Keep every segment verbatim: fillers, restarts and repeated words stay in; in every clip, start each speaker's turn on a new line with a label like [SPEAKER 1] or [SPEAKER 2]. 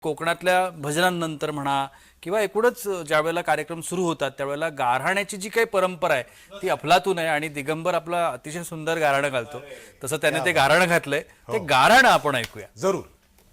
[SPEAKER 1] कोकणातल्या भजनांनंतर म्हणा किंवा एकूणच ज्यावेळेला कार्यक्रम सुरू होतात त्यावेळेला गाऱ्हाण्याची जी काही परंपरा आहे ती अफलातून आहे आणि दिगंबर आपला अतिशय सुंदर गाऱ्हाणं घालतो. तसं त्याने ते गाऱ्हाणं घातलंय. ते गाऱ्हाणं आपण ऐकूया.
[SPEAKER 2] जरूर.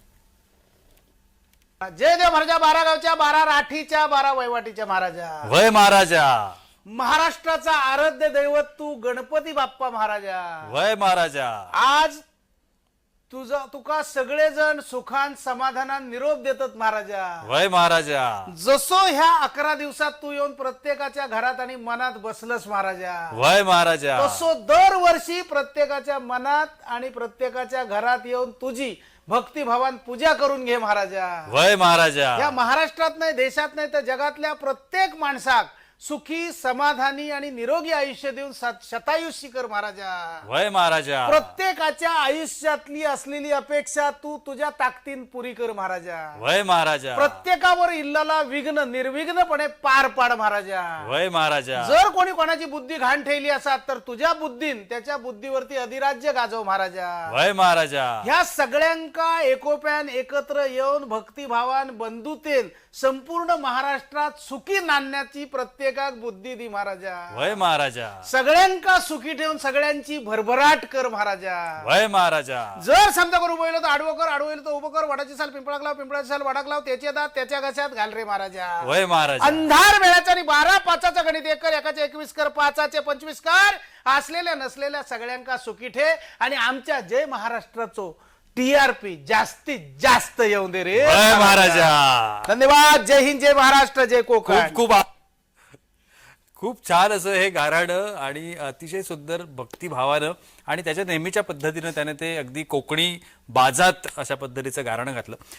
[SPEAKER 3] जय देव महाराजा, बारा गावच्या, बारा राठीच्या, बारा वैवाटीच्या महाराजा.
[SPEAKER 1] वय महाराजा.
[SPEAKER 3] महाराष्ट्राचा आराध्य दैवत तू गणपती बाप्पा महाराजा.
[SPEAKER 1] वय महाराजा.
[SPEAKER 3] आज तुझा तुका सगळेजण सुखान समाधानात निरोप देतात महाराजा.
[SPEAKER 1] वय महाराजा.
[SPEAKER 3] जसो ह्या अकरा दिवसात तू येऊन प्रत्येकाच्या घरात आणि मनात बसलस महाराजा.
[SPEAKER 1] वय महाराजा.
[SPEAKER 3] तसो दरवर्षी प्रत्येकाच्या मनात आणि प्रत्येकाच्या घरात येऊन तुझी भक्तिभावान पूजा करून घे महाराजा.
[SPEAKER 1] वय महाराजा.
[SPEAKER 3] या महाराष्ट्रात नाही, देशात नाही, तर जगातल्या प्रत्येक माणसाक सुखी समाधानी आणि निरोगी आयुष्य देऊन शतायुष्य कर महाराजा.
[SPEAKER 1] वय महाराजा.
[SPEAKER 3] प्रत्येकाच्या आयुष्यातली असलेली अपेक्षा तू तुझ्या ताकदीन पुरी कर महाराजा.
[SPEAKER 1] वय महाराजा.
[SPEAKER 3] प्रत्येकावर इल्लाला विघ्न निर्विघ्नपणे पार पाड महाराजा.
[SPEAKER 1] वय महाराजा.
[SPEAKER 3] जर कोणी कोणाची बुद्धी घाण ठेवली असात तर तुझ्या बुद्धीन त्याच्या बुद्धीवरती अधिराज्य गाजव महाराजा.
[SPEAKER 1] वय महाराजा.
[SPEAKER 3] ह्या सगळ्यांका एकोप्यान एकत्र येऊन भक्तिभावान बंधुतेन संपूर्ण महाराष्ट्रात सुखी नांदण्याची प्रत्येकाक बुद्धी दी महाराजा.
[SPEAKER 1] वय महाराजा.
[SPEAKER 3] सगळ्यांका सुखी ठेवून सगळ्यांची भरभराट कर महाराजा.
[SPEAKER 1] वय महाराजा.
[SPEAKER 3] जर समजा कर उभं तर आडवं कर, आडवं तर उभं कर, वडाची साल पिंपळाक लाव, पिंपळाची साल वडाक लाव, त्याचे दात त्याच्या घशात घाल रे महाराजा.
[SPEAKER 1] वय महाराजा.
[SPEAKER 3] अंधार वेळाचा आणि बारा पाचाचा गणित एक कर, एकाचे एकवीस कर, पाचाचे पंचवीस कर. असलेल्या नसलेल्या सगळ्यांका सुखी ठे आणि आमच्या जय महाराष्ट्राचो टीआरपी जास्तीत जास्त येऊन दे रे
[SPEAKER 1] वय महाराजा.
[SPEAKER 3] धन्यवाद. जय हिंद, जय महाराष्ट्र, जय कोकण.
[SPEAKER 1] खूप खूप आ- खूप छान असं हे गाऱ्हाणं आणि अतिशय सुंदर भक्तिभावानं आणि त्याच्या नेहमीच्या पद्धतीनं त्याने ते अगदी कोकणी बाजात अशा पद्धतीचं गाऱ्हाणं घातलं.